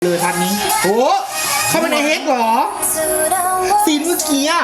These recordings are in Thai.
เลยทันนี้โอ้เข้ามาในเฮกเหรอซีนเมื่อกี้อะ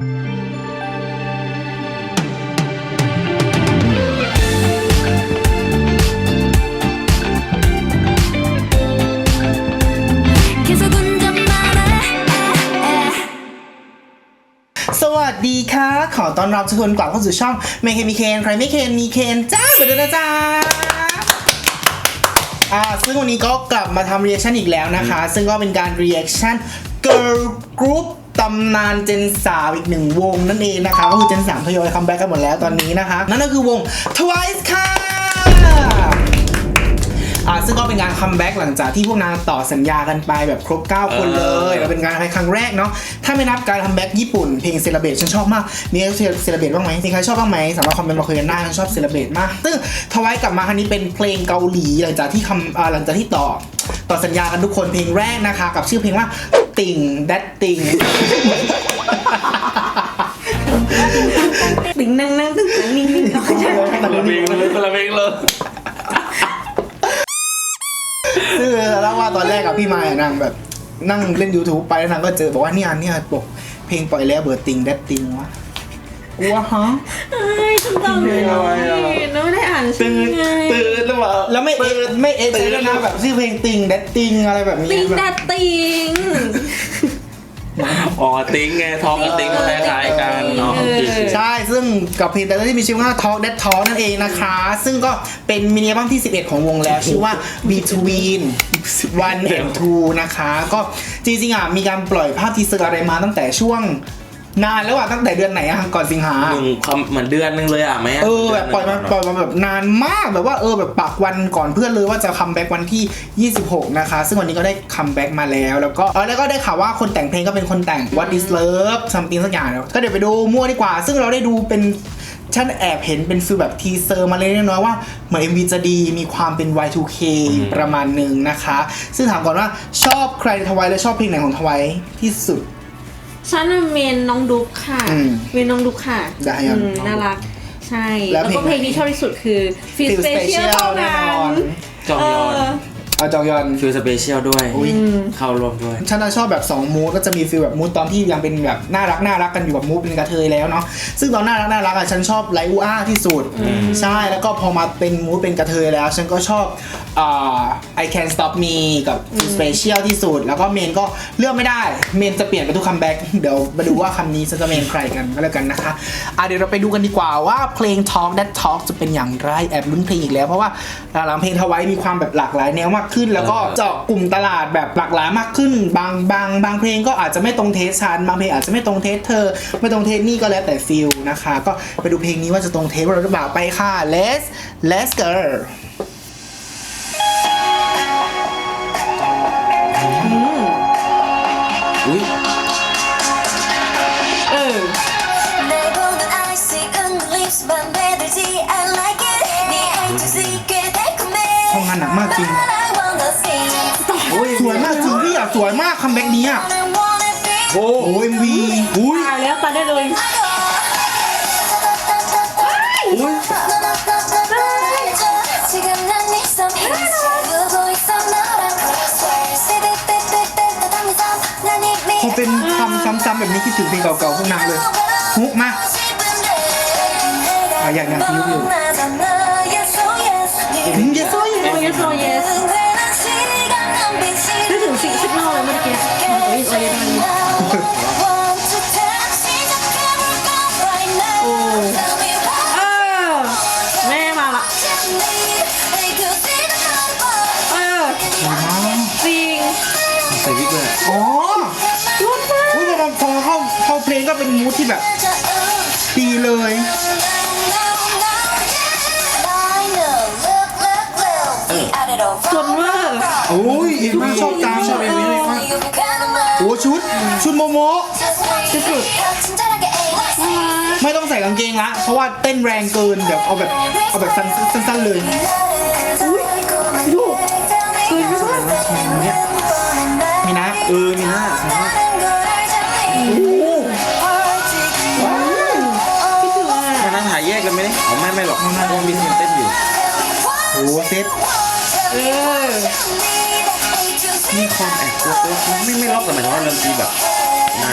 สวัสดีค่ะขอต้อนรับทุกคนกลับเข้าสู่ช่องไม่เคนมีเคนใครไม่เคนมีเคนจ้าเหมือนเดิมนะจ้าซึ่งวันนี้ก็กลับมาทำ reaction อีกแล้วนะคะซึ่งก็เป็นการ reaction girl group ตำนานเจน3อีกหนึ่งวงนั่นเองนะคะก็คือเจน3ทยอยคัมแบ็กกันหมดแล้วตอนนี้นะคะนั่นก็คือวง TWICE ค่ะซึ่งก็เป็นการคัมแบ็กหลังจากที่พวกนางต่อสัญญากันไปแบบครบ9คนเลยแล้วเป็นการครั้งแรกเนาะถ้าไม่นับการคัมแบ็กญี่ปุ่นเพลงเซเลเบรตฉันชอบมากมีใครเซเลเบรตบ้างไหมมีใครชอบบ้างไหมสามารถคอมเมนต์มาคุยกันได้ฉันชอบเซเลเบรตมากซึ่งTWICEกลับมาครั้งนี้เป็นเพลงเกาหลีหลังจากที่ต่อสัญญากันทุกคนเพลงแรกนะคะกับชื่อเพลงว่าติ่งแดดติ่งติ่งนั่งตึ้งนิ่งๆคนละเพลงเลยคือแล้วว่าตอนแรกกับพี่มายนางแบบนั่งเล่น YouTube ไปแล้วนางก็เจอบอกว่าเนี่ยปกเพลงปล่อยแล้วเบอร์ติงแดดติงวะกูว่าฮะฉันจำไม่ได้แล้วไม่ได้อ่านชื่อไงตื่นหรือเปล่าแล้วไม่เอะตื่นนะแบบชื่อเพลงติงแดดติงอะไรแบบนี้ติงแดดติงอ๋อติ้งไงทองกับติ้งคล้ายๆกันเนาะใช่ซึ่งกับเพลงแต่ละที่มีชื่อว่า Talk That Talk นั่นเองนะคะซึ่งก็เป็นมินิอัลบั้มที่11ของวงแล้วชื่อว่า Between 1 and 2นะคะก็จริงๆมีการปล่อยภาพทีเซอร์อะไรมาตั้งแต่ช่วงนานแล้วตั้งแต่เดือนไหนก่อนสิงหาเหมือนเดือนนึงเลยไหมแบบปล่อยมาแบบนานมากแบบว่าแบบปักวันก่อนเพื่อนเลยว่าจะคัมแบ็กวันที่26นะคะซึ่งวันนี้ก็ได้คัมแบ็กมาแล้วแล้วก็ได้ข่าวว่าคนแต่งเพลงก็เป็นคนแต่ง What is Love something สักอย่างแล้วก็เดี๋ยวไปดูมั่วดีกว่าซึ่งเราได้ดูเป็นฉันแอบเห็นเป็นฟีลแบบทีเซอร์มาเล็กน้อยว่าเหมือน MV จะดีมีความเป็น Y2K ประมาณนึงนะคะซึ่งถามก่อนว่าชอบใครในTWICEและชอบเพลงไหนของTWICEที่สุดฉันเมนน้องดุ๊กค่ะเมนน้องดุ๊กค่ะน่ารักใช่แล้วก็เพลงที่ชอบที่สุดคือ Feel Special เท่านั้นจองยอนจองยอน Feel Special ด้วยเข้ารวมด้วยฉันชอบแบบ2มูดก็จะมีฟีลแบบมูดตอนที่ยังเป็นแบบน่ารักกันอยู่แบบมูดเป็นกระเทยแล้วเนาะซึ่งตอนน่ารักฉันชอบไลอูอาที่สุดใช่แล้วก็พอมาเป็นมูดเป็นกระเทยแล้วฉันก็ชอบI Can't Stop Me กับ Special ที่สุดแล้วก็เมนก็เลือกไม่ได้เมนจะเปลี่ยนไปทุกคัมแบ็กเดี๋ยวมาดูว่าคำนี้จะเมนใครกันก็แล้วกันนะคะเดี๋ยวเราไปดูกันดีกว่าว่าเพลง Talk That Talk จะเป็นอย่างไรแอบลุ้นเพลงอีกแล้วเพราะว่าหลังเพลงTWICEมีความแบบหลากหลายแนวมากขึ้นแล้วก็เจาะกลุ่มตลาดแบบหลากหลายมากขึ้นบางเพลงก็อาจจะไม่ตรงเทสฉันบางเพลงอาจจะไม่ตรงเทสเธอไม่ตรงเทสนี่ก็แล้วแต่ฟิลนะคะก็ไปดูเพลงนี้ว่าจะตรงเทสเราหรือเปล่าไปค่ะ Let's go อุ้ยทำงานหนักมากจริงสวยมากจริงพี่สวยมากคัมแบ็กนี้โอ้โห MV ตายแล้วตายได้เลยพอเป็นคำซ้ำๆแบบนี้คิดถึงเพลงเก่าๆพวกนางเลยฮุกมาอย่างยิ้วอยู่ yes oh yes นึกถึงสิกนอลเลยเมื่อกี้แม่มาละจริงใส่วิกเลยอ๋อรุดมากพอเข้าเพลงก็เป็นมูดที่แบบดีเลยส่วนว่าโอ้ยเอ็มชอบตามชอบเอ็มเลยครับโอ้ชุดโมโมสุดไม่ต้องใส่กางเกงละเพราะว่าเต้นแรงเกินเดี๋ยวเอาแบบสั้นๆเลยดูคือไม่ว่ามีนะมีนะคิดถึงมันนั่งถ่ายแยกกันไหมไม่หรอกเพราะว่ามีเต้นอยู่โอ้เซตมีความแอบกลัวไม่ล็อกแต่หมายถึงว่าดนตรีแบบนั้น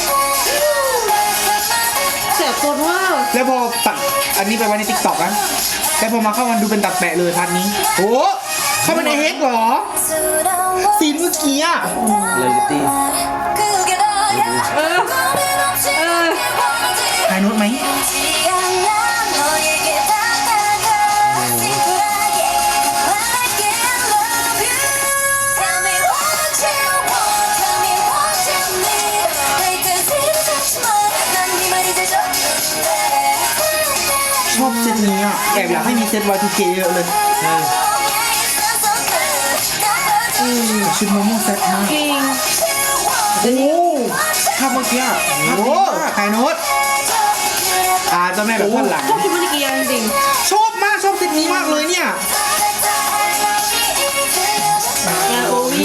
เสียโคตรว่าแล้วพอตัดอันนี้ไปไว้ในติ๊กต็อกนะแล้วพอมาเข้ามันดูเป็นตัดแปะเลยพาร์ทนี้โอ้เข้ามาในเฮกเหรอซีนเมื่อกี้อะเลยลิตี้เออไฮโน้ตไหมชอบเซตนี้อ่ะแอบอยากให้มีเซต Y2K เยอะเลยชุดโมโม่เซตมากจริงโอ้ภาพเมื่อกี้อะภาพโหดีมากไฮโน้ตเจ้าแม่แบบท่อนหลังชอบคิดว่านิกิยาจริงชอบมากชอบเซตนี้มากเลยเนี่ยยาโอวี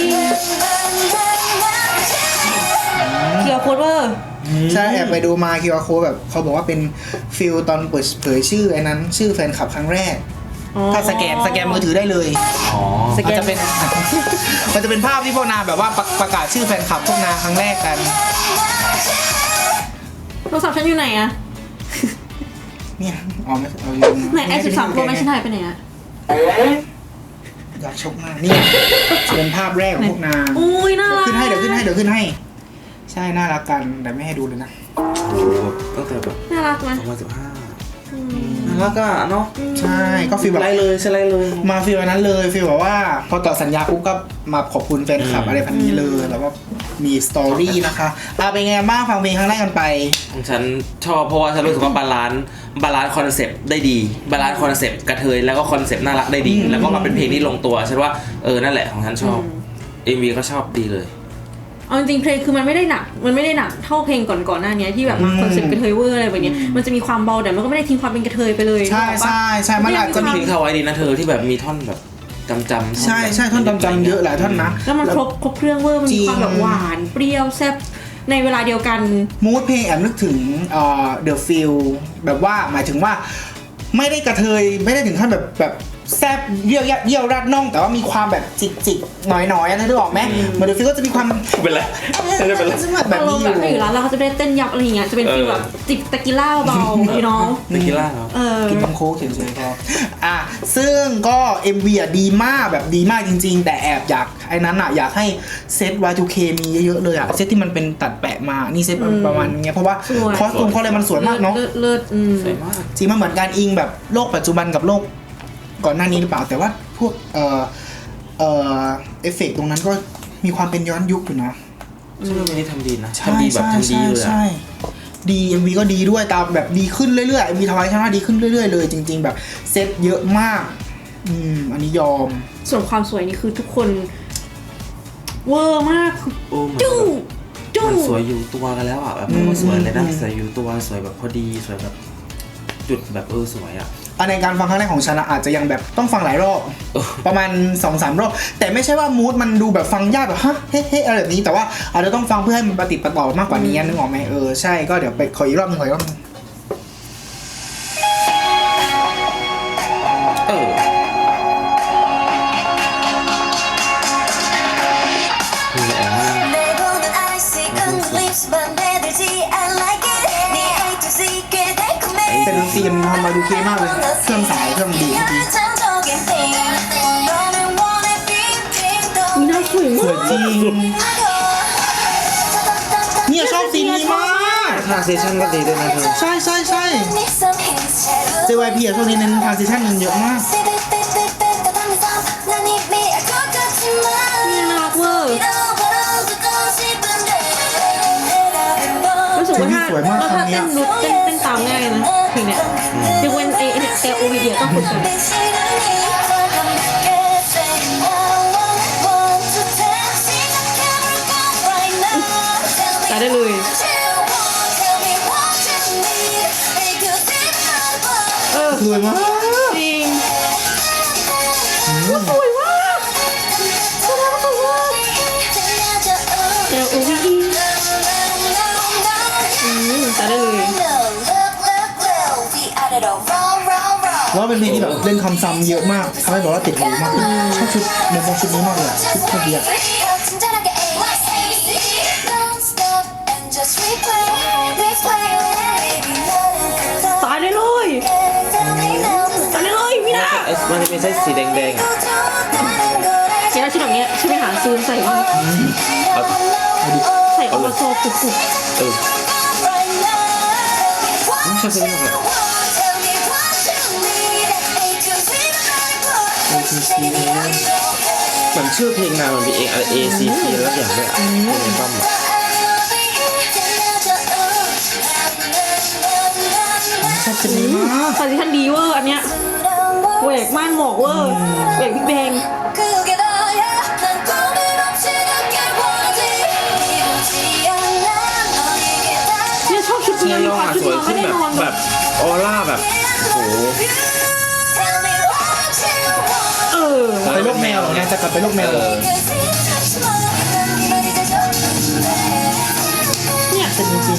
เคียวโคตรเวอร์ใช่แอบไปดูมาคิวอาร์โค้ดแบบเขาบอกว่าเป็นฟิลตอนเปิดเผยชื่อไอ้นั้นชื่อแฟนคลับครั้งแรก ถ้าสแกนมือถือได้เลยอ๋อมันจะเป็น มันจะเป็นภาพที่พวกนางแบบว่าประกาศชื่อแฟนคลับพวกนางครั้งแรกกันโทรศัพท์ฉันอยู่ไหนอะเนี่ยอ๋อไม่เอาอยู่ไหนไอ13 Pro ไม่ใช่ไหนไปไหนอะอยากชกมากนี่จะเป็นภาพแรกของพวกนางอุ้ยน่ารักขึ้นให้เดี๋ยวขึ้นให้ ใช่น่ารักกันแต่ไม่ให้ดูเลยนะโอ้โหตั้งแต่แบบน่ารักไหม 2015น่ารักอะเนาะใช่ก็ฟีลแบบไล่เลยใช่ไล่เลยมาฟีลนั้นเลยฟีลแบบว่าพอต่อสัญญาปุ๊บก็มาขอบคุณแฟนคลับอะไรพันนี้เลยแล้วก็มีสตอรี่นะคะเป็นไงบ้างฟังเพลงครั้งแรกกันไปของฉันชอบเพราะว่าฉันรู้สึกว่าบาลานซ์คอนเซปต์ได้ดีบาลานซ์คอนเซปต์กระเทยแล้วก็คอนเซปต์น่ารักได้ดี แล้วก็มาเป็นเพลงที่ลงตัวฉันว่านั่นแหละของฉันชอบ MV ก็ชอบดีเลยเอาจริงๆเพลงคือมันไม่ได้หนักเท่าเพลงก่อนหน้านี้ที่แบบมาคอนเซ็ปต์กระเทยเวอร์อะไรแบบนี้มันจะมีความเบาแต่มันก็ไม่ได้ทิ้งความเป็นกระเทยไปเลยใช่มันอาจจะมีเพลงเขาไว้ดีนะเธอที่แบบมีท่อนแบบจำใช่ท่อนจำเยอะหลายท่อนนะแล้วมันครบเครื่องเวอร์มันมีความแบบหวานเปรี้ยวแซ่บในเวลาเดียวกันมูดเพลงแอบนึกถึงThe Feel แบบว่าหมายถึงว่าไม่ได้กระเทยไม่ได้ถึงขั้นแบบแซบเยี่ยวรัดน่องแต่ว่ามีความแบบจิกๆหน่อยๆนะนึกออกไหมเหมือน The Feel ก็จะมีความเป็นไรไม่ได้เป็นไรแบบนี้อยู่อยู่ร้านเราเขาจะได้เต้นยับอะไรอย่างเงี้ยจะเป็นฟีลแบบจิบตะกิล่าเบาๆพี่น้องตะกี้ล่าเหรอกินน้ำโค้กเฉยๆพอซึ่งก็ MV ดีมากแบบดีมากจริงๆแต่แอบอยากไอ้นั้นอยากให้เซต Y2K มีเยอะๆเลยเซตที่มันเป็นตัดแปะมานี่เซตประมาณนี้เพราะว่าคอสตูมเขาเลยมันสวยมากเนาะเลิศสวยมากจริงมันเหมือนการอิงแบบโลกปัจจุบันกับโลกก่อนหน้านี้หรือเปล่าแต่ว่าพวกเอฟเฟกต์ตรงนั้นก็มีความเป็นย้อนยุคอยู่นะซึ่งเพลงนี้ทำดีนะทำดีแบบทำดีเลยใช่ดี MV ก็ดีด้วยตามแบบดีขึ้นเรื่อยๆ MV ทวายชนะดีขึ้นเรื่อยๆเลยจริงๆแบบเซตเยอะมากอันนี้ยอมส่วนความสวยนี่คือทุกคนเวอร์มากโอ้มันจุ้งมันสวยอยู่ตัวกันแล้วแบบมันสวยเลยนะสวยอยู่ตัวสวยแบบพอดีสวยแบบจุดแบบสวยในการฟังครั้งแรกของฉันอาจจะยังแบบต้องฟังหลายรอบประมาณ 2-3 รอบแต่ไม่ใช่ว่ามูดมันดูแบบฟังยากแบบเฮ้อะไรแบบนี้แต่ว่าอาจจะต้องฟังเพื่อให้มันประติดประต่อมากกว่านี้นึกออกไหมใช่ก็เดี๋ยวไปขออีกรอบนึงเป็นซีนทำมาดูเคมากเลยเครื่องสายเครื่องดีมีน่าสวยสมาวยกจริงเนี่ยชอบซีนนี้มากทรานซิชั่นก็ดีด้วยนะเธอใช่JYP ช่วงนี้เน้นทรานซิชั่นเยอะมากนี่น่ารักเวอร์รู้สึกว่าถ้าเต้นรุดเต้นตามง่ายนะเพลงเนี้ยยกเว้นแต่โอวีเดียต้องฝึกกันได้เลยสวยมากจริงสวยมากแต่โอวีได้เลยแล้วเป็นเพลงที่แบบเล่นคำซ้ำเยอะมากทำให้แบบว่าติดหูมากชอบชุดโมโมชุดนี้มากเลยอะชุดเมื่อกี้อะตายได้เลยตายได้เลยพี่นามันจะเป็นเส้นสีแดงๆอ่ะเจ้าชุดแบบเนี้ยฉันไปหาซื้อใส่ว่าใส่อวโซกุกไม่ใช่เส้นนี้หรอกเหมือนชื่อเพลงนางมันมีเองอะไร ACT แล้วอย่างด้วยอ่ะในบัมอ่ะชอบชุดนี้มากคอนดิชันดีเวอร์อันเนี้ยแหวกม่านหมอกเวอร์แหวกพี่แบงเนี่ยชอบชุดนี้มีความชุดนอนไม่ได้นอนแบบออร่าแบบโอ้โหไปโลกแมวเหรอเนี่ยจะกลับไปโลกแมวเหรอเนี่ยเป็นจริง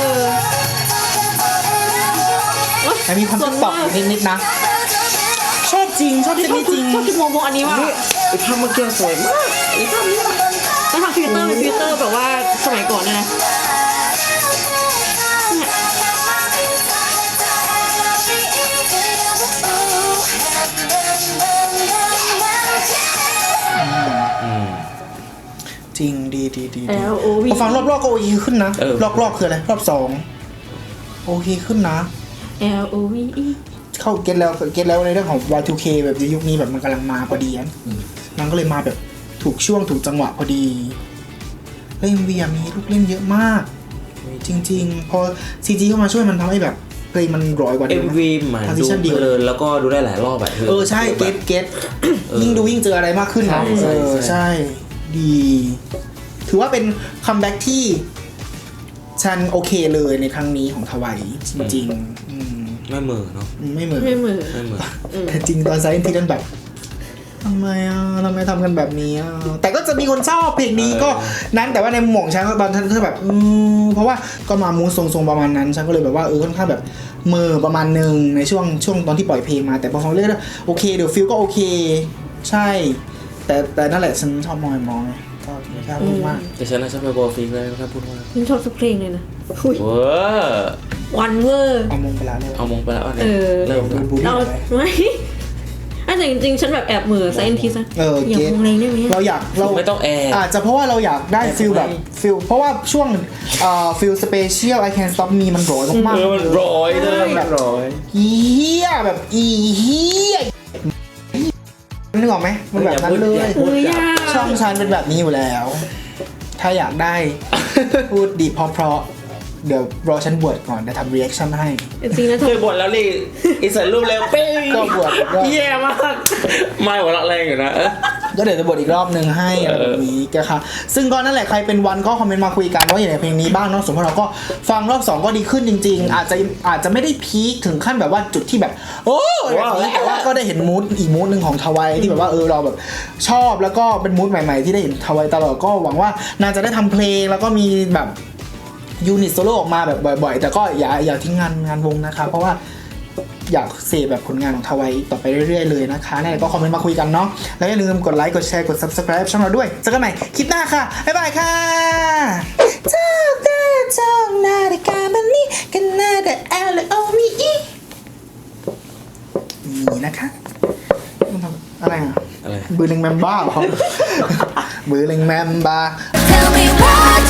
ๆแต่มีความติ๊กต็อกอยู่นิดๆนะชอบจริงชอบชอบจริงชอบชุดโมโมอันนี้ว่ะไอ้ภาพเมื่อกี้สวยมากไอ้ภาพนี้แล้วทำฟิลเตอร์เป็นฟิลเตอร์แบบว่าสมัยก่อนเนี่ยนะจริงดีดีดี LOV พอฟังรอบๆก็โอเคขึ้นนะรอบๆคืออะไรรอบ2โอเคขึ้นนะ LOVE เข้าเก็ตแล้วในเรื่องของ Y2K แบบยุคนี้แบบมันกำลังมาพอดีมันก็เลยมาแบบถูกช่วงถูกจังหวะพอดีแล้ว MV มีลูกเล่นเยอะมากจริงๆพอ CG เข้ามาช่วยมันทำให้แบบเพลงมันร้อยกว่าเดิม MV เหมือนดูเพลินแล้วก็ดูได้หลายรอบแบบใช่เก็ตยิ่งดูยิ่งเจออะไรมากขึ้นนะใช่ดีถือว่าเป็นคัมแบ็กที่ฉันโอเคเลยในครั้งนี้ของทวายจริงๆไม่เหมือเนาะไม่เหมือนไม่เหมือนแต่จริงตอนไซน์ที่นั่นแบบทำไมทำกันแบบนี้แต่ก็จะมีคนชอบเพลงนี้ก็นั้นแต่ว่าในหม่งฉันตอนฉันก็แบบเพราะว่าก็มามูททรงๆประมาณนั้นฉันก็เลยแบบว่าค่อนข้างแบบเมอประมาณนึงในช่วงตอนที่ปล่อยเพลงมาแต่พอฟังเรื่อยๆโอเคเดี๋ยวฟิลก็โอเคใช่แต่นั่นแหละฉันชอบมอยก็ไม่กล้าพูดมากแต่ฉันน่ะชอบไปบอลฟิกเลยไม่กล้าพูดมากฉันชอบทุกเพลงเลยนะเว้อวันเวอร์เอามงไปแล้วเลยเอามงไปแล้วเนี่ยเริ่มบูเราไม่แต่จริงๆฉันแบบแอบเหมือไซเอนทิสนะอย่ามองแรงได้ไหมเราไม่ต้องแอร์อาจจะเพราะว่าเราอยากได้ฟิลแบบฟิลเพราะว่าช่วงฟิลสเปเชียล I Can't Stop Me มันร้อยมากๆมันร้อยเลยแบบร้อยเฮียแบบเฮียนึกออกไหมมันแบบนั้นเลยช่องฉันเป็นแบบนี้อยู่แล้ว ถ้าอยากได้พูดดีเพราะเดี๋ยวรอฉันบวชก่อนจะทำรีแอคชั่นให้จริงนะเคยบ่นแล้วนี่อิสระรูปแล้วเป้งก็บวชก็แย่มากไม่หัวเราะแรงอยู่นะก็เดี๋ยวจะบทอีกรอบนึงให้อะไรแบบนี้ก็ค่ะซึ่งก็นั่นแหละใครเป็นวันก็คอมเมนต์มาคุยกันว่าอย่างไรเพลงนี้บ้างเนาะส่วนพวกเราก็ฟังรอบ2ก็ดีขึ้นจริงๆอาจจะไม่ได้พีคถึงขั้นแบบว่าจุดที่แบบโอ้แบบนี้แต่ว่าก็ได้เห็นมูดอีกมูดนึงของทวายที่แบบว่าเราแบบชอบแล้วก็เป็นมูดใหม่ๆที่ได้เห็นทวายตลอดก็หวังว่าน่าจะได้ทำเพลงแล้วก็มีแบบยูนิตโซโล่ออกมาแบบบ่อยๆแต่ก็อย่าทิ้งงานวงนะคะเพราะว่าอยากเสพแบบผลงานของทวายต่อไปเรื่อยๆเลยนะคะนั่นแหละก็คอมเมนต์มาคุยกันเนาะแล้วอย่าลืมกดไลค์กดแชร์กด Subscribe ช่องเราด้วยเจอกันใหม่คลิปหน้าค่ะบ๊ายบายค่ะเจ้านาฬิกาแบบนี้กันน่าแต่ LOVE นี่นะคะอะไรอ่ะอะไรบือลิงแมมบ้าเหรอบือลิงแมมบ้า Tell me what